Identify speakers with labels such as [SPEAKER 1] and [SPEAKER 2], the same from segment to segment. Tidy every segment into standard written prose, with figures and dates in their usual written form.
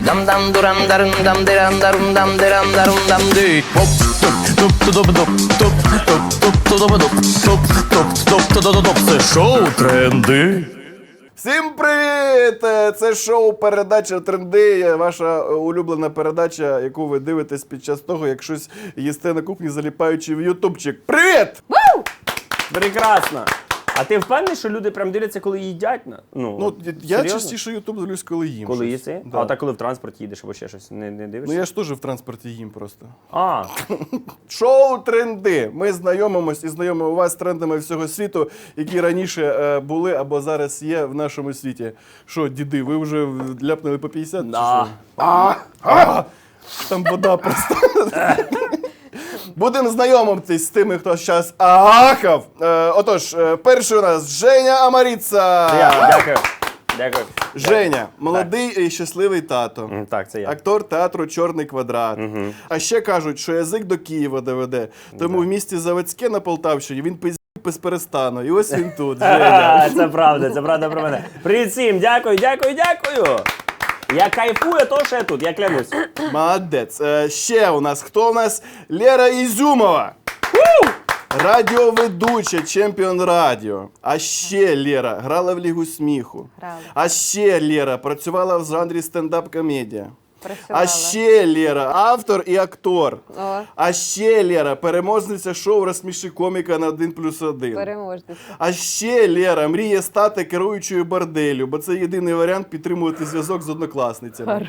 [SPEAKER 1] Це шоу «Тренди».
[SPEAKER 2] Всім привіт! Це шоу «Передача Тренди», ваша улюблена передача, яку ви дивитесь під час того, як щось їсте на кухні, заліпаючи в ютубчик. Привіт!
[SPEAKER 3] Прекрасно. А ти впевнений, що люди прям дивляться, коли їдять?
[SPEAKER 2] Ну, я частіше ютуб дивлюсь, коли їм.
[SPEAKER 3] Коли
[SPEAKER 2] щось.
[SPEAKER 3] їси?
[SPEAKER 2] Да.
[SPEAKER 3] А так коли в транспорті їдеш або ще щось, не дивишся?
[SPEAKER 2] Ну я ж теж в транспорті їм просто.
[SPEAKER 3] А,
[SPEAKER 2] Шоу «Тренди». Ми знайомимось і знайомимо вас з трендами всього світу, які раніше були або зараз є в нашому світі. Що, діди, ви вже ляпнули по 50?
[SPEAKER 3] да.
[SPEAKER 2] Там вода просто. Будемо знайомитись з тими, хто зараз агахав. Отож, перший у нас Женя Амаріца.
[SPEAKER 3] Дякую. Дякую.
[SPEAKER 2] Женя, молодий і щасливий тато.
[SPEAKER 3] Так, це я.
[SPEAKER 2] Актор театру «Чорний квадрат». А ще кажуть, що язик до Києва доведе. Тому в місті Заводське на Полтавщині він пиздів без перестану. І ось він тут, Женя.
[SPEAKER 3] Це правда про мене. Привіт всім, дякую. Я кайфую, то що я тут, я клянусь.
[SPEAKER 2] Молодець. Ще у нас, хто у нас? Лера Ізюмова. Радіоведуча, чемпіон радіо. А ще Лера грала в Лігу сміху.
[SPEAKER 4] Грала.
[SPEAKER 2] А ще Лера працювала в жанрі стендап-комедія.
[SPEAKER 4] Працювала.
[SPEAKER 2] А ще Лера автор і актор.
[SPEAKER 4] О.
[SPEAKER 2] А ще Лера переможниця шоу «Розсміши коміка» на 1+1.
[SPEAKER 4] Переможниця.
[SPEAKER 2] А ще Лера мріє стати керуючою борделю, бо це єдиний варіант підтримувати зв'язок з однокласницями.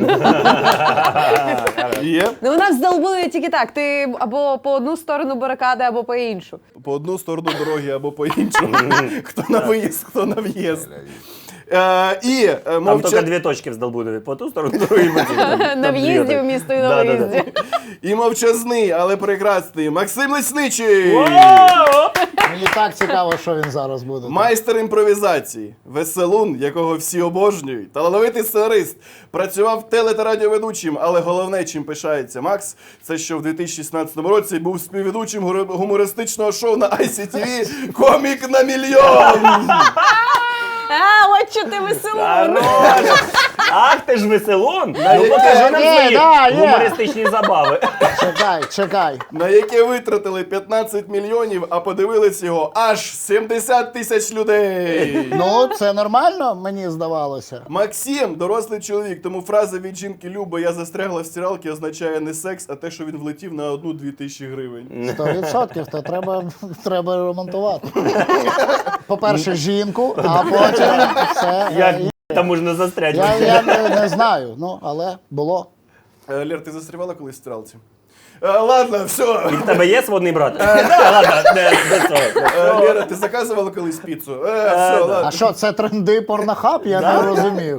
[SPEAKER 2] Є?
[SPEAKER 4] Ну у нас здолбили тільки так. Ти або по одну сторону барикади, або по іншу.
[SPEAKER 2] По одну сторону дороги або по іншу. Хто на виїзд, хто на в'їзд. І
[SPEAKER 3] Там тільки дві точки в Здолбунові, по ту сторону, другий по цій.
[SPEAKER 4] На в'їзді в місто і на виїзді.
[SPEAKER 2] І мовчазний, але прекрасний Максим Лесничий.
[SPEAKER 5] Мені так цікаво, що він зараз буде.
[SPEAKER 2] Майстер імпровізації, веселун, якого всі обожнюють, талановитий сценарист, працював теле- та радіоведучим, але головне, чим пишається Макс, це що в 2016 році був співведучим гумористичного шоу на ICTV «Комік на мільйон».
[SPEAKER 4] От що ти веселун!
[SPEAKER 3] Ах, ти ж веселун! Ну покажи нам свої гумористичні забави.
[SPEAKER 5] Чекай.
[SPEAKER 2] На яке витратили 15 мільйонів, а подивились його аж 70 тисяч людей.
[SPEAKER 5] Ну, це нормально, мені здавалося.
[SPEAKER 2] Максим – дорослий чоловік, тому фраза від жінки «Люба, я застрягла в стиралці» означає не секс, а те, що він влетів на 1-2 тисячі гривень.
[SPEAKER 5] 100%, то треба ремонтувати. По-перше, жінку, а потім все.
[SPEAKER 3] Як там можна застряти?
[SPEAKER 5] Я не знаю, ну, але було.
[SPEAKER 2] Лер, ти застрівала колись в стиралці? Ладно, все.
[SPEAKER 3] І в тебе є сводний брат? Ладно, без цього.
[SPEAKER 2] Лера, ти заказувала колись піцу? Все, ладно.
[SPEAKER 5] А що, це тренди порнохаб? Я не розумію.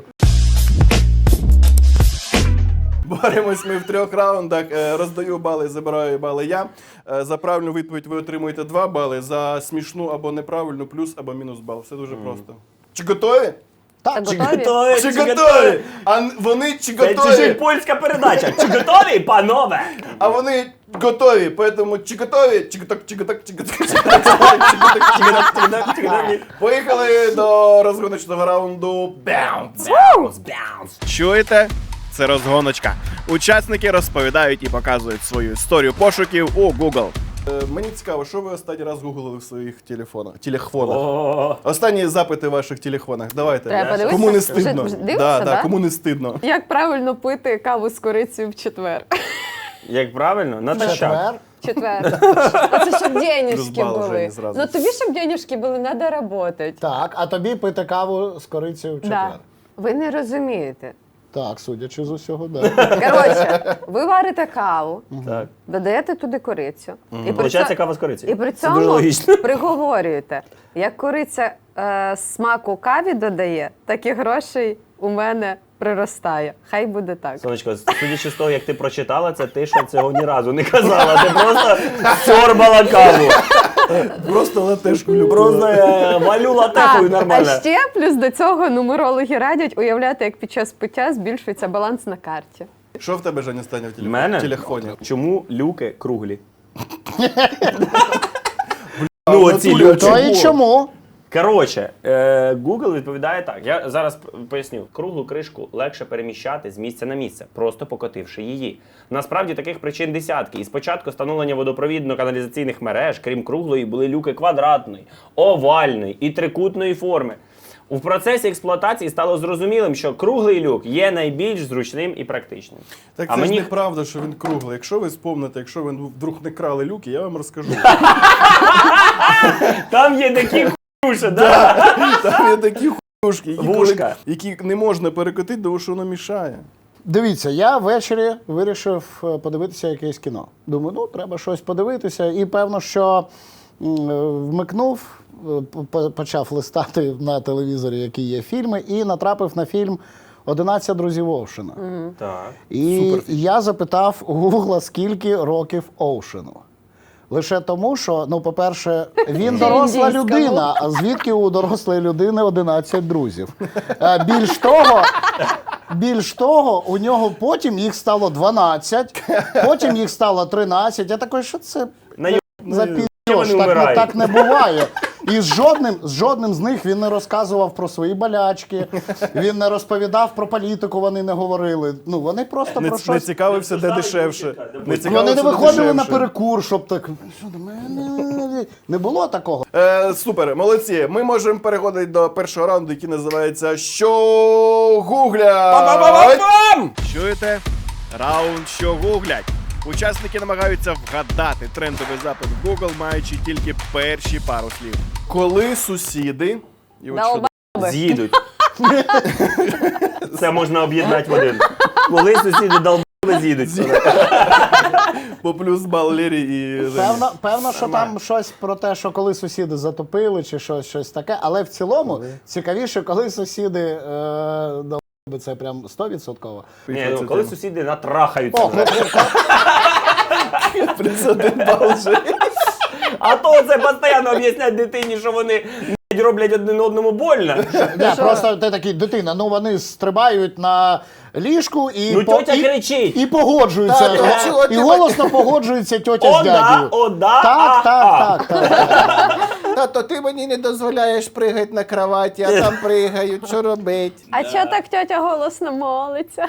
[SPEAKER 2] Боремось ми в 3 раундах. Роздаю бали, забираю бали я. За правильну відповідь ви отримуєте 2 бали, за смішну або неправильну плюс або мінус бал. Все дуже просто. Чи готові?
[SPEAKER 5] Так,
[SPEAKER 4] Готові?
[SPEAKER 2] Чи готові? А вони чи
[SPEAKER 3] Це чужа
[SPEAKER 2] готові?
[SPEAKER 3] польська передача. Чи готові, панове?
[SPEAKER 2] А вони готові, поэтому чи готові? Чик-готок. Поїхали до розгоночного раунду Bounce. Чуєте? Це розгоночка. Учасники розповідають і показують свою історію пошуків у Google. Мені цікаво, що ви останній раз гуглили в своїх телефонах? Останні запити в ваших телефонах. Давайте.
[SPEAKER 4] Треба подивитися?
[SPEAKER 2] Кому не стидно?
[SPEAKER 4] Вже дивишся, да?
[SPEAKER 2] Кому не стидно?
[SPEAKER 4] Як правильно пити каву з корицею в четвер?
[SPEAKER 3] Як правильно? Натощак.
[SPEAKER 5] четвер.
[SPEAKER 4] Оце щоб денежки
[SPEAKER 2] Розбал
[SPEAKER 4] були.
[SPEAKER 2] Жені зразу.
[SPEAKER 4] Ну тобі, щоб денежки були, треба працювати.
[SPEAKER 5] Так, а тобі пити каву з корицею в четвер.
[SPEAKER 4] Да. Ви не розумієте.
[SPEAKER 5] Так, судячи з усього, да.
[SPEAKER 4] Коротше, ви варите каву,
[SPEAKER 3] Так.
[SPEAKER 4] додаєте туди корицю. І при
[SPEAKER 3] Получається
[SPEAKER 4] цьому-
[SPEAKER 3] кава з корицею.
[SPEAKER 4] І при
[SPEAKER 3] Це дуже
[SPEAKER 4] цьому
[SPEAKER 3] логічно.
[SPEAKER 4] приговорюєте, як кориця смаку каві додає, так і грошей у мене приростає. Хай буде так.
[SPEAKER 3] Сонечко, судячи з того, як ти прочитала це, ти ще цього ні разу не казала. Ти просто сорбала каву.
[SPEAKER 2] Просто латешку люблю.
[SPEAKER 3] Просто валю латекою нормально.
[SPEAKER 4] А ще плюс до цього нумерологи радять уявляти, як під час пиття збільшується баланс на карті.
[SPEAKER 2] Що в тебе, Женя, стане в
[SPEAKER 3] Мене?
[SPEAKER 2] телефоні?
[SPEAKER 3] Чому люки круглі?
[SPEAKER 2] А
[SPEAKER 3] Ну,
[SPEAKER 2] в
[SPEAKER 3] оці
[SPEAKER 2] натурі,
[SPEAKER 3] люки.
[SPEAKER 5] То і чому?
[SPEAKER 3] Коротше, Google відповідає так. Я зараз поясню. Круглу кришку легше переміщати з місця на місце, просто покотивши її. Насправді таких причин десятки. І спочатку встановлення водопровідно-каналізаційних мереж, крім круглої, були люки квадратної, овальної і трикутної форми. У процесі експлуатації стало зрозумілим, що круглий люк є найбільш зручним і практичним.
[SPEAKER 2] Так
[SPEAKER 3] А
[SPEAKER 2] це
[SPEAKER 3] мені-
[SPEAKER 2] ж неправда, що він круглий. Якщо ви спомните, якщо ви вдруг не крали люки, я вам розкажу.
[SPEAKER 3] Там є такі хуші, да?
[SPEAKER 2] Там є такі хуйушки,
[SPEAKER 3] Вушка.
[SPEAKER 2] які не можна перекотити, тому що воно мішає.
[SPEAKER 5] Дивіться, я ввечері вирішив подивитися якесь кіно. Думаю, ну треба щось подивитися. І певно, що вмикнув, почав листати на телевізорі, які є фільми, і натрапив на фільм «11 друзів Оушена».
[SPEAKER 3] Так.
[SPEAKER 5] І я запитав у Гугла, скільки років Оушену. Лише тому, що, ну, по-перше, він доросла
[SPEAKER 4] Індійському.
[SPEAKER 5] людина, а звідки у дорослої людини 11 друзів? Більш того, у нього потім їх стало 12, потім їх стало 13. Я такий, що це за
[SPEAKER 3] вони
[SPEAKER 5] піздьош?
[SPEAKER 3] вмирають.
[SPEAKER 5] Так не буває. І з жодним з них він не розказував про свої болячки, він не розповідав про політику, вони не говорили. Ну, вони просто про
[SPEAKER 2] Не
[SPEAKER 5] щось...
[SPEAKER 2] цікавився, де дешевше.
[SPEAKER 5] Вони не виходили на перекур, щоб так... Що до мене? Не було такого.
[SPEAKER 2] Супер, молодці. Ми можемо переходити до першого раунду, який називається «Що гуглять?». Чуєте? Раунд «Що гуглять?». Учасники намагаються вгадати трендовий запит в Google, маючи тільки перші пару слів. Коли сусіди... І от що
[SPEAKER 3] З'їдуть. Це можна об'єднати в один. Коли сусіди долбили, з'їдуть.
[SPEAKER 2] по плюс бал Лері і Жені.
[SPEAKER 5] Певно, що там щось про те, що коли сусіди затопили, чи щось таке, але в цілому цікавіше, коли сусіди долбили, це прям 100%.
[SPEAKER 3] Ні, ну, коли сусіди натрахаються.
[SPEAKER 5] О,
[SPEAKER 2] Плюс 1 бал Жені.
[SPEAKER 3] А то це постійно об'яснять дитині, що вони роблять один одному больно.
[SPEAKER 5] просто ти такий, дитина, ну вони стрибають на ліжку і,
[SPEAKER 3] Ну, тьотя кричить.
[SPEAKER 5] і погоджуються. І голосно погоджується тьотя з
[SPEAKER 3] О, да,
[SPEAKER 5] дядю.
[SPEAKER 3] о, да,
[SPEAKER 5] Так.
[SPEAKER 2] Тато, ти мені не дозволяєш пригати на кроваті, а там пригають, що робить?
[SPEAKER 4] А чого так тьотя голосно молиться?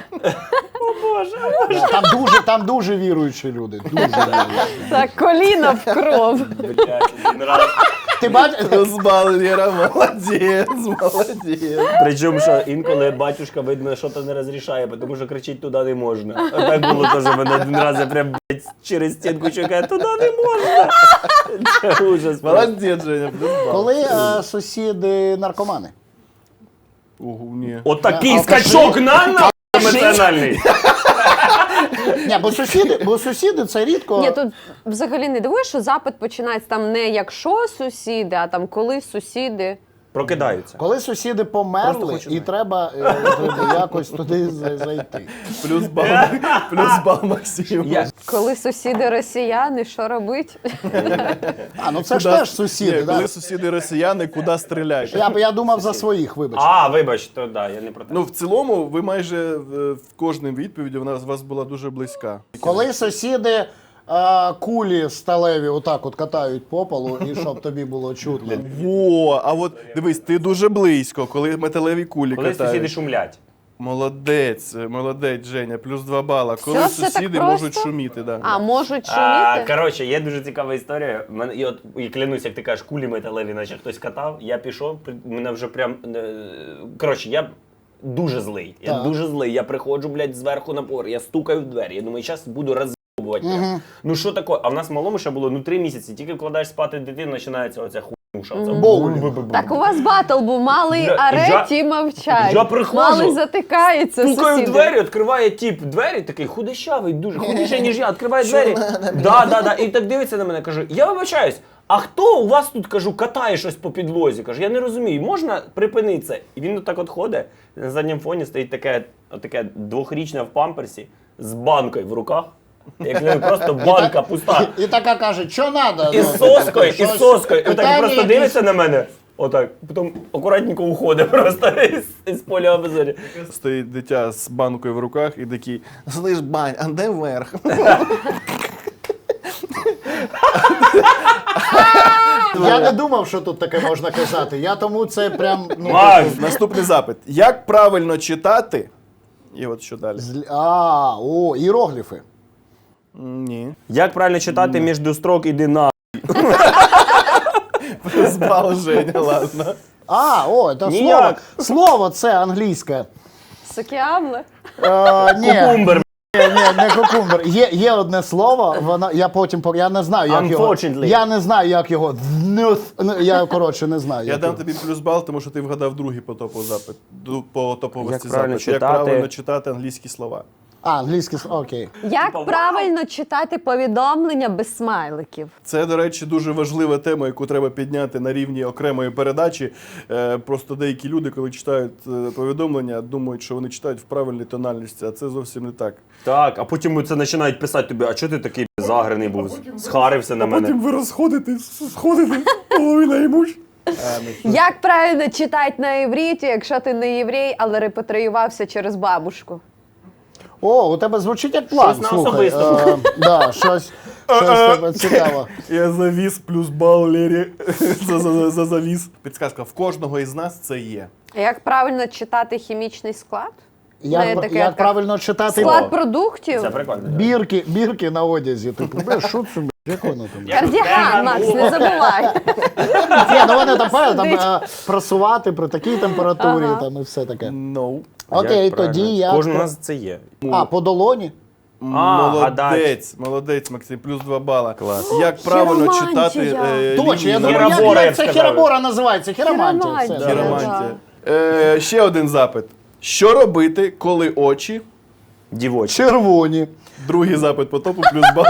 [SPEAKER 5] Там дуже віруючі люди. Дуже віруючі.
[SPEAKER 4] Так, коліно в кров.
[SPEAKER 5] Ти бачиш?
[SPEAKER 2] Плюс бал Лера, молодець.
[SPEAKER 3] Причому, що інколи батюшка, видно, що то не розрішає, тому що кричить туди не можна. А так було теж, мене один раз я прям блядь, через стінку чекаю, туди не можна. Це ужас.
[SPEAKER 2] Молодець, Женя, плюс бал.
[SPEAKER 5] Коли сусіди наркомани?
[SPEAKER 2] Ого, ні.
[SPEAKER 3] От такий
[SPEAKER 5] Алкаші.
[SPEAKER 3] скачок на емоціональний.
[SPEAKER 5] Ні, бо сусіди це рідко.
[SPEAKER 4] Ні, тут взагалі не дивуєш, що запит починається там не якщо сусіди, а там коли сусіди.
[SPEAKER 3] Прокидаються.
[SPEAKER 5] Коли сусіди
[SPEAKER 3] Просто
[SPEAKER 5] померли,
[SPEAKER 3] хочу
[SPEAKER 5] і
[SPEAKER 3] знати.
[SPEAKER 5] треба якось туди зайти.
[SPEAKER 2] Плюс бал Максиму.
[SPEAKER 4] Коли сусіди росіяни, що робить?
[SPEAKER 5] А, ну це ж теж сусіди,
[SPEAKER 2] Ні,
[SPEAKER 5] да?
[SPEAKER 2] коли сусіди росіяни, куди стріляють?
[SPEAKER 5] Я думав за своїх, вибач.
[SPEAKER 3] А, вибач, то да, я не про те.
[SPEAKER 2] Ну, в цілому, ви майже в кожній відповіді вона з вас була дуже близька.
[SPEAKER 5] Коли сусіди кулі сталеві отак от катають по полу, і щоб тобі було чутно.
[SPEAKER 2] Во, а от дивись, ти дуже близько, коли металеві кулі
[SPEAKER 3] Коли
[SPEAKER 2] катають.
[SPEAKER 3] сусіди шумлять.
[SPEAKER 2] Молодець, Женя, плюс 2 бала. Коли
[SPEAKER 4] Все так
[SPEAKER 2] сусіди
[SPEAKER 4] просто?
[SPEAKER 2] можуть шуміти, да.
[SPEAKER 4] А, можуть шуміти?
[SPEAKER 3] Коротше, є дуже цікава історія. І клянусь, як ти кажеш, кулі металеві, наче хтось катав. Я пішов, мене вже прям. Коротше, я дуже злий. Я
[SPEAKER 5] Так.
[SPEAKER 3] дуже злий. Я приходжу, блядь, зверху напор, я стукаю в двері. Я думаю, зараз буду роз'єбувати. прям. Ну що таке? А в нас малому ще було 3 місяці. Тільки вкладаєш спати дитину, починається оця хуйнуша.
[SPEAKER 4] Так у вас батл був, малий
[SPEAKER 3] Я-
[SPEAKER 4] ареті мовчать.
[SPEAKER 3] я приходжу,
[SPEAKER 4] малий затикається,
[SPEAKER 3] Стукаю в
[SPEAKER 4] сусіди.
[SPEAKER 3] двері, відкриває тіп двері, такий худощавий, дуже худіший, ніж я, відкриває двері. Да. І так дивиться на мене, каже, я вибачаюсь, а хто у вас тут, кажу, катає щось по підлозі? Каже, я не розумію, можна припинити це? І він так от ходить, на задньому фоні стоїть таке 2-річне в памперсі з банкою в руках. Як просто банка пуста.
[SPEAKER 5] І така каже, що треба?
[SPEAKER 3] І з соскою. І так просто дивиться на мене. Отак, потім акуратненько уходить просто із поля обзору.
[SPEAKER 2] Стоїть дитя з банкою в руках і такий, слиш, бань, а де верх?
[SPEAKER 5] Я не думав, що тут таке можна казати. Я тому це прям. Ну,
[SPEAKER 3] Макс!
[SPEAKER 2] Наступний запит. Як правильно читати? І от що далі?
[SPEAKER 5] Іерогліфи.
[SPEAKER 2] Ні.
[SPEAKER 3] Як правильно читати між строк іди на.
[SPEAKER 2] Збал Женя, ладно.
[SPEAKER 5] Це
[SPEAKER 3] Ніяк.
[SPEAKER 5] Слово це англійське.
[SPEAKER 4] Сокіамли.
[SPEAKER 5] Ні,
[SPEAKER 3] Кумбер.
[SPEAKER 5] не кукумбер. Є одне слово, я не знаю, як його.
[SPEAKER 3] Unfortunately.
[SPEAKER 5] Я не знаю, як його. Я, коротше, не знаю.
[SPEAKER 2] Я
[SPEAKER 5] як
[SPEAKER 2] дам
[SPEAKER 5] його.
[SPEAKER 2] тобі плюс бал, тому що ти вгадав другий по топову запит. По топовості
[SPEAKER 3] Як правильно
[SPEAKER 2] запит. Як
[SPEAKER 3] читати?
[SPEAKER 2] правильно читати англійські слова.
[SPEAKER 5] Англійське слово, окей.
[SPEAKER 4] Як правильно читати повідомлення без смайликів?
[SPEAKER 2] Це, до речі, дуже важлива тема, яку треба підняти на рівні окремої передачі. Просто деякі люди, коли читають повідомлення, думають, що вони читають в правильній тональності, а це зовсім не так.
[SPEAKER 3] Так, а потім це починають писати тобі, а чого ти такий загрений був? Схарився на мене.
[SPEAKER 2] ви сходите, половина імуч.
[SPEAKER 4] Як правильно читати на івриті, якщо ти не єврей, але репатріювався через бабушку?
[SPEAKER 5] У тебе звучить як план.
[SPEAKER 3] Щось на
[SPEAKER 5] Слухай,
[SPEAKER 3] особистому.
[SPEAKER 5] Щось тебе цікаво.
[SPEAKER 2] Я завіз плюс бал Лері за завіз. Підсказка, в кожного із нас це є.
[SPEAKER 4] Як правильно читати хімічний склад? На етикетках.
[SPEAKER 5] Як правильно читати
[SPEAKER 4] Склад продуктів?
[SPEAKER 3] Це прикольно.
[SPEAKER 5] бірки на одязі. Типу, що це, як воно там?
[SPEAKER 4] Кардіган, Макс, не забувай.
[SPEAKER 5] Ні, вони там просувати при такій температурі там і все таке.
[SPEAKER 2] No.
[SPEAKER 5] Окей,
[SPEAKER 3] Як правильно?
[SPEAKER 5] тоді я.
[SPEAKER 3] Кожен у нас це є.
[SPEAKER 5] По долоні?
[SPEAKER 2] Молодець, Максим, плюс 2 бала.
[SPEAKER 3] Клас.
[SPEAKER 2] Як правильно
[SPEAKER 4] Хіромантія.
[SPEAKER 2] читати
[SPEAKER 5] Точно, я
[SPEAKER 2] лінії?
[SPEAKER 5] думаю,
[SPEAKER 3] Хіробора, я
[SPEAKER 5] як
[SPEAKER 3] б
[SPEAKER 5] це
[SPEAKER 3] сказав.
[SPEAKER 5] хіробора називається? Хіромантія. все,
[SPEAKER 4] Хіромантія.
[SPEAKER 5] да.
[SPEAKER 2] Хіромантія. Ще один запит. Що робити, коли очі?
[SPEAKER 3] Дівочі.
[SPEAKER 5] Червоні.
[SPEAKER 2] Другий запит по топу, плюс бал.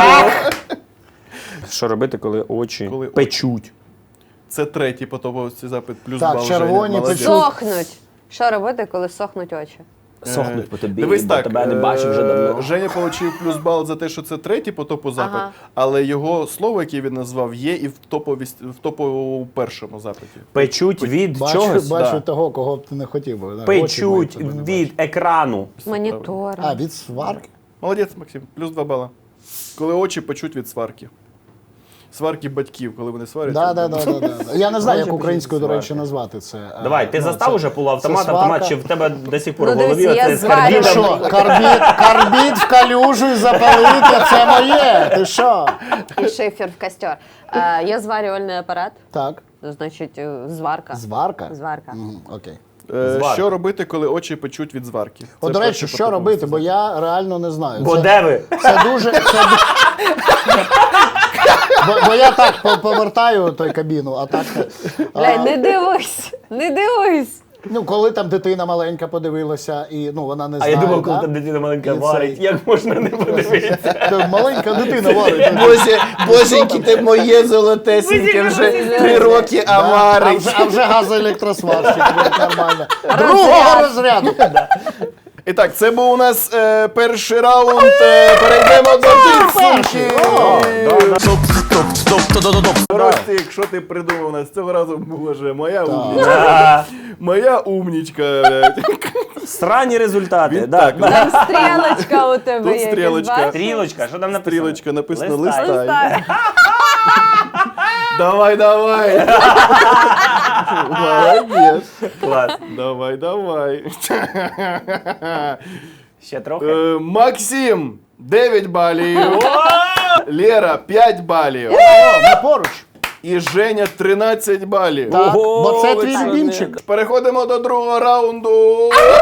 [SPEAKER 3] Що робити, коли очі
[SPEAKER 2] Коли очі.
[SPEAKER 3] печуть?
[SPEAKER 2] Це третій по топовості запит, плюс
[SPEAKER 5] Так,
[SPEAKER 2] бал.
[SPEAKER 5] червоні,
[SPEAKER 2] Женя. Молодець.
[SPEAKER 5] печуть.
[SPEAKER 4] Сохнуть. Що робити, коли сохнуть очі?
[SPEAKER 3] Сохнуть по тобі,
[SPEAKER 2] Дивись
[SPEAKER 3] бо
[SPEAKER 2] так,
[SPEAKER 3] тебе не бачив вже давно.
[SPEAKER 2] Женя отримав плюс бал за те, що це третій по топу запит,
[SPEAKER 4] Ага.
[SPEAKER 2] але його слово, яке він назвав, є і в топовому першому запиті.
[SPEAKER 3] Печуть від
[SPEAKER 5] Бачу
[SPEAKER 3] чогось?
[SPEAKER 2] да.
[SPEAKER 5] того, кого б ти не хотів би. Да,
[SPEAKER 3] Печуть
[SPEAKER 5] очі мають тебе не
[SPEAKER 3] від екрану.
[SPEAKER 4] Монітор.
[SPEAKER 5] бачити. Від сварки?
[SPEAKER 2] Молодець, Максим, плюс 2 бала. Коли очі печуть від сварки. Сварки батьків, коли вони сваряться.
[SPEAKER 5] Да. Я не знаю, як
[SPEAKER 3] Очі
[SPEAKER 5] українською, до
[SPEAKER 3] сварки.
[SPEAKER 5] речі, назвати це.
[SPEAKER 3] Давай, ти застав
[SPEAKER 5] це-
[SPEAKER 3] уже полуавтомат,
[SPEAKER 5] це
[SPEAKER 3] автомат,
[SPEAKER 5] сварка.
[SPEAKER 3] чи в тебе до сих пор
[SPEAKER 4] Ну,
[SPEAKER 3] в голові
[SPEAKER 4] дивись, я
[SPEAKER 3] оце з
[SPEAKER 4] зварю.
[SPEAKER 5] Ти
[SPEAKER 3] карбідом?
[SPEAKER 5] що, карбід в калюжу і запалити, це моє. Ти що?
[SPEAKER 4] І шифер в костер. Є зварювальний апарат,
[SPEAKER 5] Так,
[SPEAKER 4] значить зварка.
[SPEAKER 5] зварка?
[SPEAKER 4] Зварка.
[SPEAKER 5] Окей.
[SPEAKER 3] Зварка.
[SPEAKER 2] Що робити, коли очі печуть від зварки?
[SPEAKER 5] От,
[SPEAKER 2] Це
[SPEAKER 5] до речі,
[SPEAKER 2] перший по
[SPEAKER 5] що
[SPEAKER 2] топовому
[SPEAKER 5] робити, бо
[SPEAKER 2] запиту.
[SPEAKER 5] я реально не знаю.
[SPEAKER 3] Бо де ви?
[SPEAKER 5] Це дуже. Бо я так повертаю той кабіну, а так.
[SPEAKER 4] Блядь, не дивись, не дивись.
[SPEAKER 5] Ну, коли там дитина маленька подивилася, і вона не
[SPEAKER 3] А
[SPEAKER 5] знає.
[SPEAKER 3] я думав, коли
[SPEAKER 5] да?
[SPEAKER 3] там дитина маленька
[SPEAKER 5] І
[SPEAKER 3] варить,
[SPEAKER 5] цей-
[SPEAKER 3] як можна не подивитися?
[SPEAKER 5] Та маленька дитина варить.
[SPEAKER 2] Боженьки, ти моє золотесеньке, вже 3 роки, а варить.
[SPEAKER 5] А вже газоелектросварщик, нормально. Другого розряду.
[SPEAKER 2] І так, це був у нас перший раунд. Перейдемо до підсумків. Ростик, що ти придумав у нас цього разу? Боже, моя умнічка. Моя умнічка.
[SPEAKER 3] Срані результати.
[SPEAKER 2] Він
[SPEAKER 3] да.
[SPEAKER 2] так,
[SPEAKER 4] Там стрілочка у тебе
[SPEAKER 2] Тут
[SPEAKER 4] є.
[SPEAKER 2] стрілочка.
[SPEAKER 4] ти бачиш?
[SPEAKER 3] Стрілочка, що там написано?
[SPEAKER 2] Стрілочка написано
[SPEAKER 3] Листай.
[SPEAKER 2] листай. Давай. Молодець.
[SPEAKER 3] Клас.
[SPEAKER 2] Давай.
[SPEAKER 3] Ще трохи.
[SPEAKER 2] Максим 9 балів. Лера 5 балів.
[SPEAKER 5] Ми поруч.
[SPEAKER 2] І Женя 13 балів.
[SPEAKER 5] Так,
[SPEAKER 3] Ого,
[SPEAKER 5] бо це твій
[SPEAKER 3] Олександр.
[SPEAKER 5] любімчик.
[SPEAKER 2] Переходимо до другого раунду.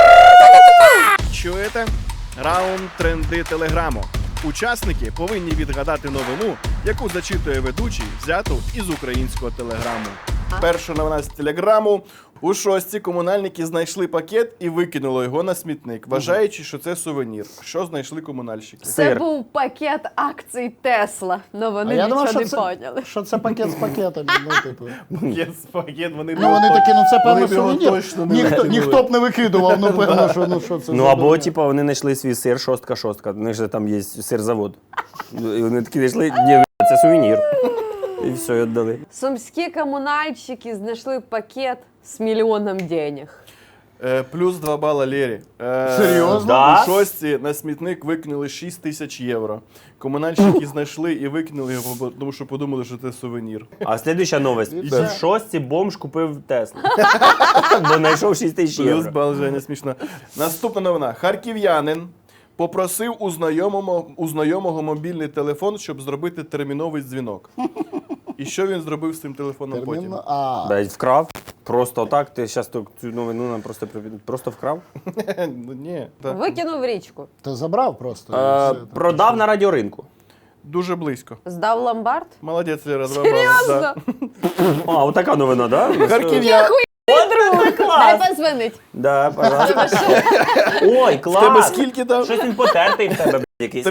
[SPEAKER 2] Чуєте? Раунд тренди телеграму. Учасники повинні відгадати новину, яку зачитує ведучий, взяту із українського телеграму. Перша новина з телеграму. У шостці комунальники знайшли пакет і викинули його на смітник, вважаючи, що це сувенір. Що знайшли комунальщики?
[SPEAKER 4] Це
[SPEAKER 3] Сир.
[SPEAKER 4] був пакет акцій Тесла. Ну вони
[SPEAKER 5] Я думав,
[SPEAKER 4] нічого
[SPEAKER 5] що
[SPEAKER 4] не
[SPEAKER 5] це,
[SPEAKER 4] поняли.
[SPEAKER 5] що це пакет з пакетами.
[SPEAKER 2] Пакет, вони
[SPEAKER 5] Вони такі, це певно
[SPEAKER 2] вони б його
[SPEAKER 5] сувенір.
[SPEAKER 2] точно не
[SPEAKER 5] Ніхто
[SPEAKER 2] викинули.
[SPEAKER 5] б не викидував, певно, що це.
[SPEAKER 3] Ну
[SPEAKER 5] за
[SPEAKER 3] або,
[SPEAKER 5] дурня.
[SPEAKER 3] типа, вони знайшли свій сир, шостка. У них же там є сирзавод. І вони такі знайшли, ні, це сувенір. І все, і віддали.
[SPEAKER 4] Сумські комунальщики знайшли пакет з мільйоном денег.
[SPEAKER 2] Плюс 2 бала Лєрі.
[SPEAKER 5] Серйозно?
[SPEAKER 3] Да?
[SPEAKER 2] У шостці на смітник викинули 6 тисяч євро. Комунальщики знайшли і викинули його, тому що подумали, що це сувенір.
[SPEAKER 3] А слідуюча новость.
[SPEAKER 5] все.
[SPEAKER 3] В шостці бомж купив Теслу. Бо знайшов 6 тисяч
[SPEAKER 2] Плюс
[SPEAKER 3] євро.
[SPEAKER 2] бал, Женя, смішно. Наступна новина. Харків'янин попросив у знайомого мобільний телефон, щоб зробити терміновий дзвінок. І що він зробив з цим телефоном потім?
[SPEAKER 3] Блядь, вкрав. Просто так, ти зараз цю новину нам просто вкрав.
[SPEAKER 2] Ну, ні. Так.
[SPEAKER 4] Викинув в річку.
[SPEAKER 5] Ти забрав просто.
[SPEAKER 3] Продав на радіоринку.
[SPEAKER 2] Дуже близько.
[SPEAKER 4] Здав ломбард.
[SPEAKER 2] Молодець, Лера, 2 бали.
[SPEAKER 4] Серйозно?
[SPEAKER 3] А, отака новина, да?
[SPEAKER 2] Харків'янин.
[SPEAKER 4] Дай позвонить.
[SPEAKER 3] Да, пожалуйста. Ой,
[SPEAKER 2] В тебе
[SPEAKER 3] клас!
[SPEAKER 2] скільки там?
[SPEAKER 3] Щось він потертий в тебе, блядь, якийсь.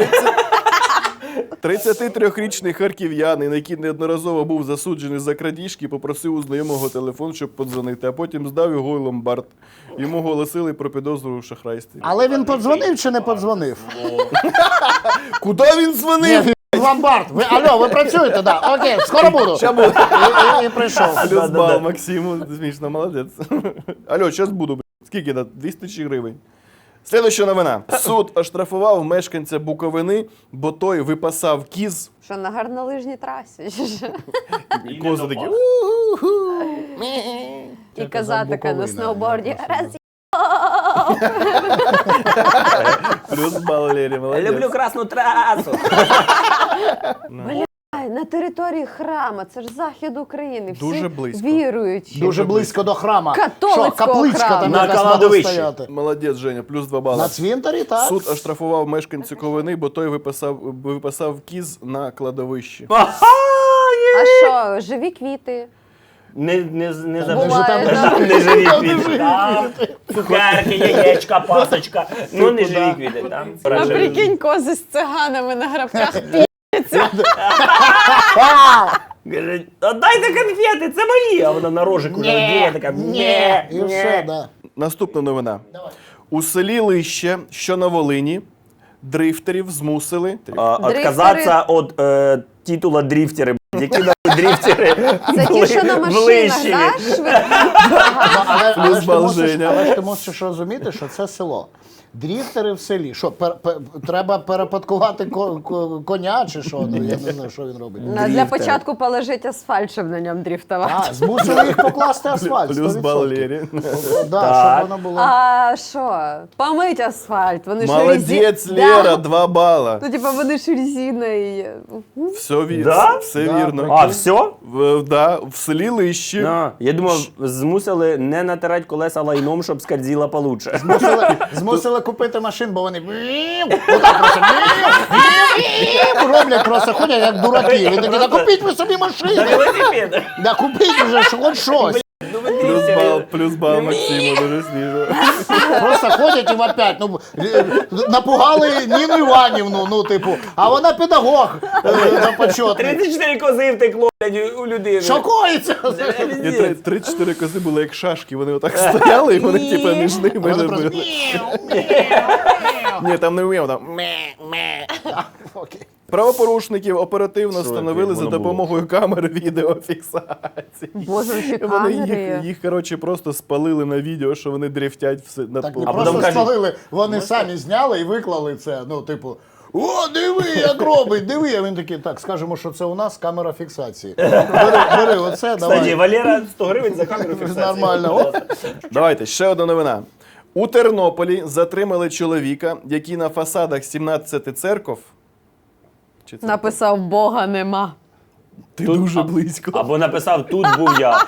[SPEAKER 2] 33-річний харків'янин, який неодноразово був засуджений за крадіжки, попросив у знайомого телефон, щоб подзвонити, а потім здав його у ломбард. Йому оголосили про підозру в шахрайстві.
[SPEAKER 5] Але він подзвонив чи не подзвонив?
[SPEAKER 2] Куди він дзвонив?
[SPEAKER 5] Ні, ломбард. Алло, ви працюєте, да? Окей, скоро буду. І прийшов.
[SPEAKER 2] Плюс
[SPEAKER 3] Да-да-да.
[SPEAKER 2] бал Максиму, смішно, молодець. Алло, зараз буду, блядь. Скільки? 200 тисяч гривень. Слідуюча новина. Суд оштрафував мешканця Буковини, бо той випасав кіз.
[SPEAKER 4] Що на гарнолижній трасі? чи що?
[SPEAKER 2] І кози такі.
[SPEAKER 4] І коза така на
[SPEAKER 5] Буковина,
[SPEAKER 4] сноуборді.
[SPEAKER 5] я
[SPEAKER 4] Раз
[SPEAKER 2] Плюс бал Лері, молодець.
[SPEAKER 3] Люблю красну трасу.
[SPEAKER 4] Ай, на території храма, це ж захід України. Всі
[SPEAKER 2] Дуже близько.
[SPEAKER 4] віруючі.
[SPEAKER 5] Дуже близько до храма.
[SPEAKER 4] Католицького
[SPEAKER 5] Що, капличка
[SPEAKER 4] храму.
[SPEAKER 5] там
[SPEAKER 3] На
[SPEAKER 5] якась могла
[SPEAKER 3] кладовищі.
[SPEAKER 5] стояти.
[SPEAKER 2] Молодець, Женя, плюс 2 бали.
[SPEAKER 5] На цвинтарі, так?
[SPEAKER 2] Суд оштрафував мешканцю Ковини, бо той випасав кіз на кладовищі.
[SPEAKER 4] А що, живі квіти?
[SPEAKER 3] Не
[SPEAKER 4] Буває, да.
[SPEAKER 3] Там не живі квіти. Там цукерки, яєчка, пасочка. Ну не живі квіти. Там
[SPEAKER 4] А прикинь, кози з циганами на грабках.
[SPEAKER 3] Каже, отдайте конфети, це мої. А вона на рожику надіє, така ні.
[SPEAKER 5] І все, да.
[SPEAKER 2] Наступна новина. У селі Лище, що на Волині, дрифтерів змусили.
[SPEAKER 3] Отказатися від титула дрифтери. Які нахуй дрифтери
[SPEAKER 4] Це ті, що на
[SPEAKER 3] в
[SPEAKER 4] машинах,
[SPEAKER 3] Лищеві.
[SPEAKER 4] да? швидко?
[SPEAKER 5] Але ж
[SPEAKER 2] бал Женя.
[SPEAKER 5] ти мусиш розуміти, що це село. Дріфтери в селі. Що, треба перепадкувати коня чи що? Ну, я не знаю, що він робить.
[SPEAKER 4] Для початку положить асфальт, щоб на ньому дріфтувати.
[SPEAKER 5] А, змусили їх покласти асфальт.
[SPEAKER 2] Плюс
[SPEAKER 5] 100%.
[SPEAKER 2] бал Лері.
[SPEAKER 5] Да,
[SPEAKER 3] Так.
[SPEAKER 5] щоб воно було.
[SPEAKER 4] А що? Помить асфальт. Вони ж
[SPEAKER 2] Молодець,
[SPEAKER 4] резі-
[SPEAKER 2] Лера,
[SPEAKER 4] Да.
[SPEAKER 2] 2 бала.
[SPEAKER 4] Ну, типа, вони ж резиною.
[SPEAKER 2] Все вірно.
[SPEAKER 3] Да?
[SPEAKER 2] Все
[SPEAKER 5] Да,
[SPEAKER 2] вірно.
[SPEAKER 3] А, все?
[SPEAKER 2] В селі Лище.
[SPEAKER 3] Я думав, змусили не натирати колеса лайном, щоб скользила получше.
[SPEAKER 5] Змусили купити машин, бо вони отак просто роблять, просто ходять як дураки. Він такий, да купіть ви собі машину.
[SPEAKER 3] Велосипед.
[SPEAKER 5] Да купіть вже хоч щось.
[SPEAKER 3] Ну ви
[SPEAKER 2] Плюс бал Максиму, дуже смішно.
[SPEAKER 5] Просто ходять і вопять. Ну, напугали Ніну Іванівну, ну, типу, а вона педагог на почетний.
[SPEAKER 3] 34 кози втекло, блядь, у людини.
[SPEAKER 5] Що коїться?
[SPEAKER 2] І 3-4 кози були як шашки, вони отак стояли, і вони типу між ними.
[SPEAKER 5] Вони просто
[SPEAKER 2] були. Ні, там не вмів, там.
[SPEAKER 5] Окей.
[SPEAKER 2] Правопорушників оперативно встановили за
[SPEAKER 3] воно було?
[SPEAKER 2] допомогою камер відеофіксації.
[SPEAKER 4] Боже, які
[SPEAKER 2] Вони
[SPEAKER 4] камери.
[SPEAKER 2] їх коротше, просто спалили на відео, що вони дрифтять над
[SPEAKER 5] Так не
[SPEAKER 3] А
[SPEAKER 5] просто
[SPEAKER 3] потім кажуть,
[SPEAKER 5] спалили, вони самі зняли і виклали це. Ну, типу, о, диви, як робить, диви. А він такий, так, скажемо, що це у нас камера фіксації. Бери оце,
[SPEAKER 3] Кстати,
[SPEAKER 5] давай.
[SPEAKER 3] Валера 100 гривень за камеру фіксації.
[SPEAKER 5] Нормально. О.
[SPEAKER 2] Давайте, ще одна новина. У Тернополі затримали чоловіка, який на фасадах 17 церков. Чи це?
[SPEAKER 4] Написав Бога нема.
[SPEAKER 2] Ти дуже близько.
[SPEAKER 3] Або написав, тут був я.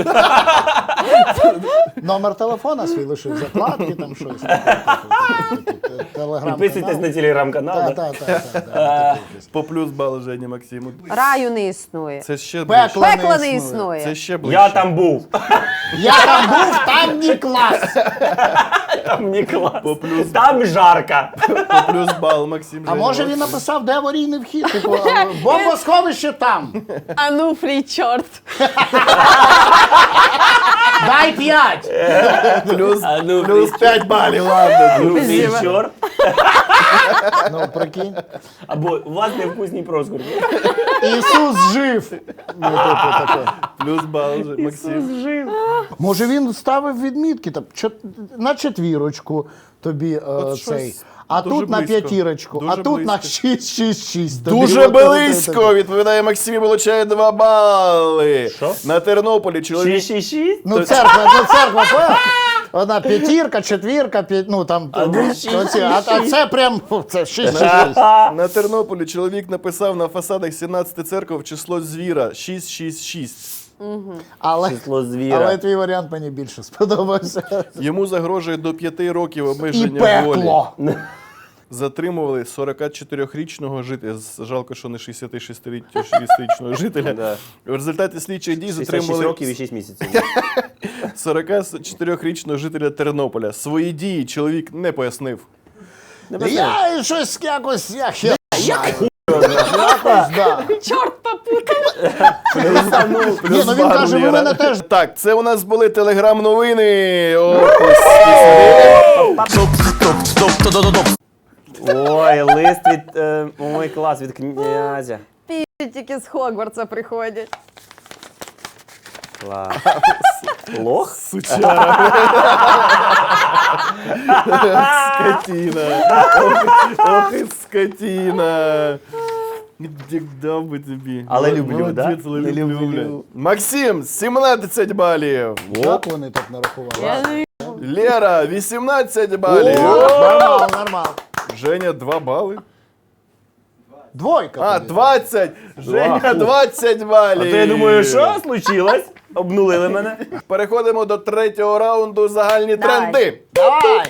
[SPEAKER 5] Номер телефона свій лишив, закладки там щось. Телеграм.
[SPEAKER 3] Підписуйтесь на телеграм-канал. да?
[SPEAKER 5] Так.
[SPEAKER 2] По плюс бал Жені Максиму.
[SPEAKER 4] Раю не існує.
[SPEAKER 2] Це ще
[SPEAKER 5] Пекло
[SPEAKER 2] ближче.
[SPEAKER 4] Пекла не
[SPEAKER 5] існує.
[SPEAKER 4] існує.
[SPEAKER 2] Це ще ближче.
[SPEAKER 3] Я там був.
[SPEAKER 5] Я там був, там не клас.
[SPEAKER 3] Там не клас.
[SPEAKER 2] По плюс.
[SPEAKER 3] Там жарко.
[SPEAKER 2] По плюс бал Максим.
[SPEAKER 5] А
[SPEAKER 2] Женя
[SPEAKER 5] може він
[SPEAKER 2] Максим.
[SPEAKER 5] написав, де аварійний вхід? Типу, бомбосховище там.
[SPEAKER 4] А ну, фрій чорт.
[SPEAKER 5] Дай 5!
[SPEAKER 2] Плюс 5 балів, ладно.
[SPEAKER 3] Ну, ти чорт.
[SPEAKER 5] Ну, прикинь.
[SPEAKER 3] Або у вас невкусні проскурки.
[SPEAKER 5] Ісус жив! Ну, типу, таке.
[SPEAKER 2] Плюс бал, Максим.
[SPEAKER 5] Може він ставив відмітки там, на 4 тобі цей, а
[SPEAKER 2] дуже
[SPEAKER 5] тут на
[SPEAKER 2] близько.
[SPEAKER 5] 5, а
[SPEAKER 2] Дуже
[SPEAKER 5] тут на
[SPEAKER 2] близько.
[SPEAKER 5] 6.
[SPEAKER 2] Дуже близько, відповідає Максим і получає 2 бали.
[SPEAKER 3] Що?
[SPEAKER 2] На Тернополі чоловік
[SPEAKER 3] 666?
[SPEAKER 5] Ну церква, пе. Одна 5, 4, 5, ну там, а це прям, це 6.
[SPEAKER 2] На Тернополі чоловік написав на фасадах 17 церков число звіра 666.
[SPEAKER 3] Число звіра.
[SPEAKER 5] Але твій варіант мені більше сподобався.
[SPEAKER 2] Йому загрожує до 5 років
[SPEAKER 5] І
[SPEAKER 2] обмеження волі.
[SPEAKER 5] пекло.
[SPEAKER 2] Затримували 44-річного жителя, жалко, що не 66-річного жителя.
[SPEAKER 3] Да.
[SPEAKER 2] В результаті слідчих дій
[SPEAKER 3] 66
[SPEAKER 2] затримували
[SPEAKER 3] років і 6 місяців.
[SPEAKER 2] 44-річного жителя Тернополя. Свої дії чоловік не пояснив.
[SPEAKER 5] Я щось якось, якось, да.
[SPEAKER 4] Чорт попутав.
[SPEAKER 5] Ні, ну він каже, ви мене теж.
[SPEAKER 2] Так, це у нас були телеграм-новини.
[SPEAKER 3] Ой, лист від... Ой, клас, від князя.
[SPEAKER 4] Тільки з Хогвартса приходять.
[SPEAKER 3] Клас. Лох?
[SPEAKER 2] Скотина. Ох і скотина. Як дав би тобі.
[SPEAKER 3] Але люблю,
[SPEAKER 2] Молодець,
[SPEAKER 3] да?
[SPEAKER 2] але
[SPEAKER 3] Не
[SPEAKER 2] люблю.
[SPEAKER 3] люблю.
[SPEAKER 2] Максим, 17 балів.
[SPEAKER 5] Як вони так нарахували?
[SPEAKER 2] Лера, 18 балів.
[SPEAKER 5] Нормально.
[SPEAKER 2] Женя, 2 бали.
[SPEAKER 5] 2.
[SPEAKER 2] А, 20. Женя, 20 балів.
[SPEAKER 3] А то я думаю, що случилось? Обнулили мене.
[SPEAKER 2] Переходимо до 3-го раунду загальні
[SPEAKER 4] Давай.
[SPEAKER 2] тренди.
[SPEAKER 5] Давай!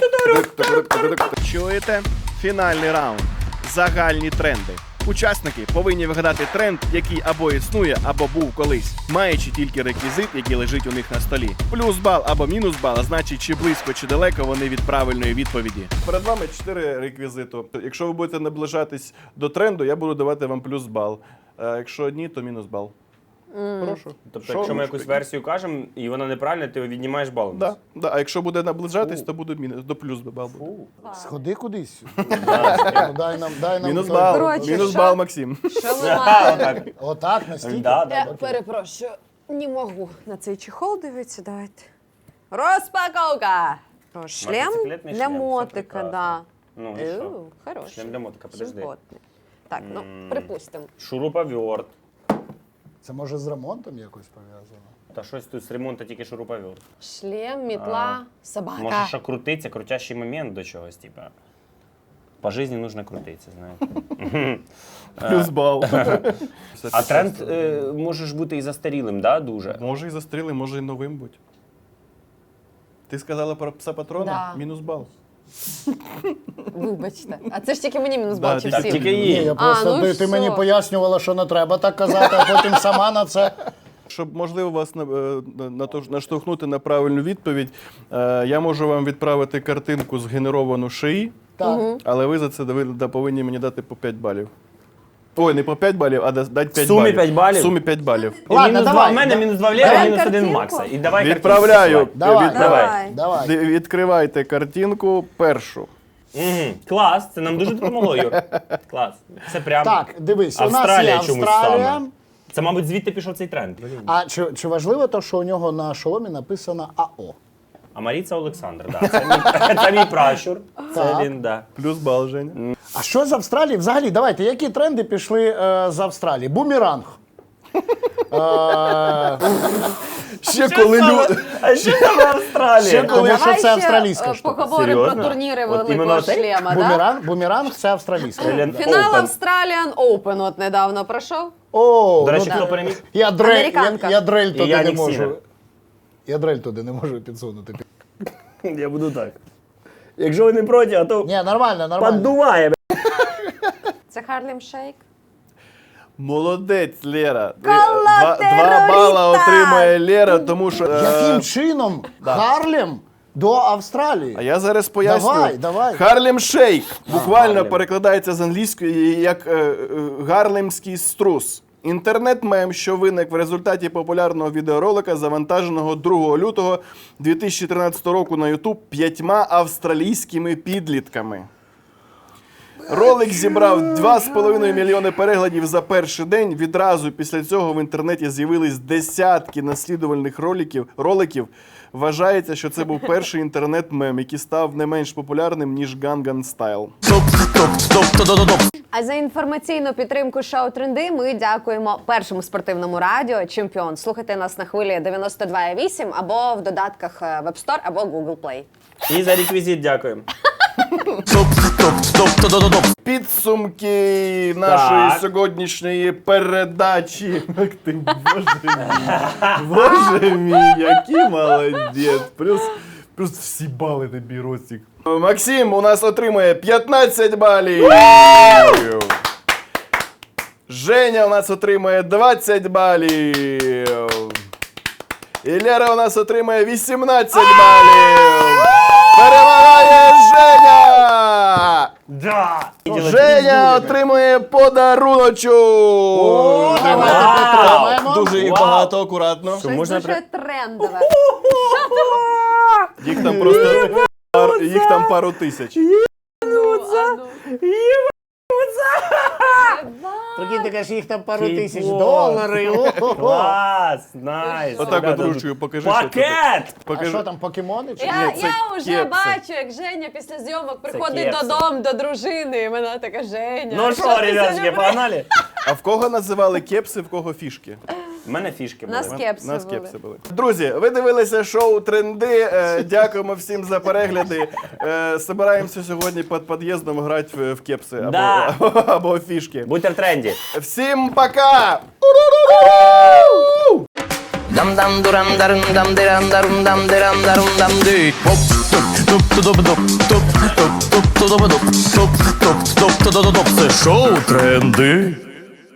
[SPEAKER 2] Чуєте? Фінальний раунд. Загальні тренди. Учасники повинні вигадати тренд, який або існує, або був колись, маючи тільки реквізит, який лежить у них на столі. Плюс бал або мінус бал, а значить, чи близько, чи далеко вони від правильної відповіді. Перед вами 4 реквізиту. Якщо ви будете наближатись до тренду, я буду давати вам плюс бал. А якщо ні, то мінус бал. Прошу.
[SPEAKER 3] Тобто,
[SPEAKER 2] Що
[SPEAKER 3] якщо ми
[SPEAKER 2] ви
[SPEAKER 3] якусь версію кажемо, і вона неправильна, ти віднімаєш бал.
[SPEAKER 2] Да, да. А якщо буде наближатись, то буде мінус, до плюс бал буде.
[SPEAKER 5] Сходи кудись. Ну, дай нам.
[SPEAKER 2] Мінус
[SPEAKER 5] той-
[SPEAKER 2] бал.
[SPEAKER 4] Коротше,
[SPEAKER 2] Мінус
[SPEAKER 4] що?
[SPEAKER 2] бал, Максим.
[SPEAKER 4] Що ми маємо?
[SPEAKER 3] Отак.
[SPEAKER 5] Отак, настільки?
[SPEAKER 3] Да.
[SPEAKER 4] Я перепрошую, не можу на цей чехол дивитися, давайте. Розпаковка! Про шлем
[SPEAKER 3] Мотоциклетний
[SPEAKER 4] для
[SPEAKER 3] шлем, все
[SPEAKER 4] мотика,
[SPEAKER 3] прекрасно.
[SPEAKER 4] да.
[SPEAKER 3] Ну і що?
[SPEAKER 4] Хороший.
[SPEAKER 3] Шлем для мотика, подожди.
[SPEAKER 4] Симпотний. Так, ну, припустимо.
[SPEAKER 3] Шуруповерт.
[SPEAKER 5] Це може з ремонтом якось пов'язано?
[SPEAKER 3] Та щось тут з ремонту тільки шуруповерт.
[SPEAKER 4] Шлем, мітла, собака.
[SPEAKER 3] Може, що крутиться, крутящий момент до чогось, типа. По житті нужно крутитися, знаєте.
[SPEAKER 2] Плюс бал.
[SPEAKER 3] А тренд може ж бути і застарілим, да, дуже?
[SPEAKER 2] Може і застріли, може і новим бути. Ти сказала про пса патрона?
[SPEAKER 4] Да.
[SPEAKER 2] Мінус бал.
[SPEAKER 4] Вибачте. А це ж тільки мені мінус
[SPEAKER 2] Да,
[SPEAKER 4] бал, чи
[SPEAKER 2] так,
[SPEAKER 4] всім?
[SPEAKER 3] тільки
[SPEAKER 5] Ні,
[SPEAKER 3] їй.
[SPEAKER 5] я просто,
[SPEAKER 4] ну і
[SPEAKER 5] ти мені
[SPEAKER 4] все.
[SPEAKER 5] пояснювала, що не треба так казати, а потім сама на це.
[SPEAKER 2] Щоб, можливо, вас наштовхнути на правильну відповідь, я можу вам відправити картинку згенеровану шиї,
[SPEAKER 5] Так.
[SPEAKER 2] але ви за це повинні мені дати по 5 балів. Ой, не по 5 балів, а дати 5
[SPEAKER 3] В сумі
[SPEAKER 2] балів.
[SPEAKER 3] 5 балів?
[SPEAKER 2] В сумі 5 балів.
[SPEAKER 5] Ладно,
[SPEAKER 3] мінус
[SPEAKER 5] давай,
[SPEAKER 3] 2 в мене,
[SPEAKER 5] да.
[SPEAKER 3] мінус 2 в Лєри,
[SPEAKER 4] Давай
[SPEAKER 3] мінус 1
[SPEAKER 4] картинку.
[SPEAKER 3] Макса. І давай
[SPEAKER 2] Відправляю.
[SPEAKER 5] Давай.
[SPEAKER 3] Давай.
[SPEAKER 5] Давай.
[SPEAKER 2] Відкривайте картинку першу.
[SPEAKER 3] Клас, це нам дуже допомогло, Юр. Клас. Це прям
[SPEAKER 5] Так, дивись, у нас є
[SPEAKER 3] Австралія чомусь
[SPEAKER 5] Австралія.
[SPEAKER 3] саме. Це, мабуть, звідти пішов цей тренд.
[SPEAKER 5] А чи важливо те, що у нього на шоломі написано АО?
[SPEAKER 3] А Маріца Олександр, да. Це мій пращур. Це
[SPEAKER 5] Так.
[SPEAKER 3] він, да.
[SPEAKER 2] Плюс бал, Женя.
[SPEAKER 5] А що з Австралії? Взагалі, давайте, які тренди пішли з Австралії? Бумеранг.
[SPEAKER 2] Ще коли люди...
[SPEAKER 3] А що там в Австралії?
[SPEAKER 5] Ще коли- Тому що
[SPEAKER 4] Давай
[SPEAKER 5] це
[SPEAKER 4] ще,
[SPEAKER 5] австралійська штука.
[SPEAKER 4] поговоримо про
[SPEAKER 3] Серйозно?
[SPEAKER 4] турніри
[SPEAKER 3] От
[SPEAKER 4] великого
[SPEAKER 3] іменно цей?
[SPEAKER 4] шлема, да?
[SPEAKER 5] Бумеранг це австралійська.
[SPEAKER 4] Фінал
[SPEAKER 3] Open.
[SPEAKER 4] Australian Open от недавно пройшов.
[SPEAKER 5] О,
[SPEAKER 3] До речі,
[SPEAKER 5] ну,
[SPEAKER 3] хто переміг?
[SPEAKER 5] я
[SPEAKER 4] Американка.
[SPEAKER 5] дрель туди не
[SPEAKER 3] Янік
[SPEAKER 5] можу.
[SPEAKER 3] Сінер.
[SPEAKER 5] Я дрель туди не можу підсунути.
[SPEAKER 3] Я буду так. Якщо ви не проти, а то
[SPEAKER 5] Ні, нормально.
[SPEAKER 3] поддуває.
[SPEAKER 4] Це Харлем Шейк.
[SPEAKER 2] Молодець, Лера.
[SPEAKER 4] Кола
[SPEAKER 2] 2 бала
[SPEAKER 4] терориста!
[SPEAKER 2] отримає Лера, тому що...
[SPEAKER 5] Яким чином Харлем до Австралії?
[SPEAKER 2] А я зараз поясню.
[SPEAKER 5] Давай.
[SPEAKER 2] Харлем Шейк буквально
[SPEAKER 3] Гарлем.
[SPEAKER 2] перекладається з англійської як гарлемський струс. Інтернет-мем, що виник в результаті популярного відеоролика, завантаженого 2 лютого 2013 року на YouTube 5 австралійськими підлітками. Ролик зібрав 2,5 мільйони переглядів за перший день. Відразу після цього в інтернеті з'явились десятки наслідувальних роликів. Вважається, що це був перший інтернет-мем, який став не менш популярним, ніж Gangnam Style.
[SPEAKER 4] А за інформаційну підтримку шоу «Тренди» ми дякуємо першому спортивному радіо «Чемпіон». Слухайте нас на хвилі 92,8 або в додатках Web Store або Google Play.
[SPEAKER 3] І за реквізит дякуємо.
[SPEAKER 2] Підсумки нашої
[SPEAKER 3] Так.
[SPEAKER 2] сьогоднішньої передачі. Ах ти, боже мій. Боже мій, який молодець. Плюс всі бали тобі, Ростик. Максим у нас отримує 15 балів. Женя у нас отримує 20 балів. І Лера у нас отримує 18 балів. Перемагає Женя!
[SPEAKER 3] Да!
[SPEAKER 2] Женя отримує подаруночок!
[SPEAKER 5] Давайте підтримаємо.
[SPEAKER 2] Дуже їх багато, акуратно.
[SPEAKER 4] Щось
[SPEAKER 3] можна
[SPEAKER 4] дуже трендове.
[SPEAKER 2] Їх там пару тисяч.
[SPEAKER 5] Прикинь, ти кажеш, їх там пару
[SPEAKER 3] Кей-поп.
[SPEAKER 5] тисяч доларів. О-хо-хо.
[SPEAKER 3] Клас! Найс!
[SPEAKER 2] Отак от
[SPEAKER 3] Ребята,
[SPEAKER 2] ручкою покажи, що тут.
[SPEAKER 3] Пакет!
[SPEAKER 5] А
[SPEAKER 2] Покажи.
[SPEAKER 5] що там, покемони? Чи?
[SPEAKER 4] Я
[SPEAKER 2] це
[SPEAKER 4] вже
[SPEAKER 2] кепси.
[SPEAKER 4] бачу, як Женя після зйомок приходить
[SPEAKER 3] кепси.
[SPEAKER 4] додому до дружини, і вона така: Женя.
[SPEAKER 3] Ну
[SPEAKER 4] ти
[SPEAKER 3] що, ребятки,
[SPEAKER 4] сьогодні
[SPEAKER 3] погнали?
[SPEAKER 2] А в кого називали кепси, в кого фішки?
[SPEAKER 3] У мене фішки
[SPEAKER 4] У нас
[SPEAKER 3] були.
[SPEAKER 4] кепси
[SPEAKER 2] Нас
[SPEAKER 4] були.
[SPEAKER 2] кепси були. Друзі, ви дивилися шоу «Тренди». Дякуємо всім за перегляди. Собираємося сьогодні під під'їздом грати в кепси або,
[SPEAKER 3] Да.
[SPEAKER 2] або фішки.
[SPEAKER 3] Будьте в тренді.
[SPEAKER 2] Всім пока!
[SPEAKER 1] Dam dam duram darum dam diram darum dam diram darum dam di. Hop туп туп туп туп туп туп туп туп туп туп туп туп туп туп туп. Це шоу «Тренди».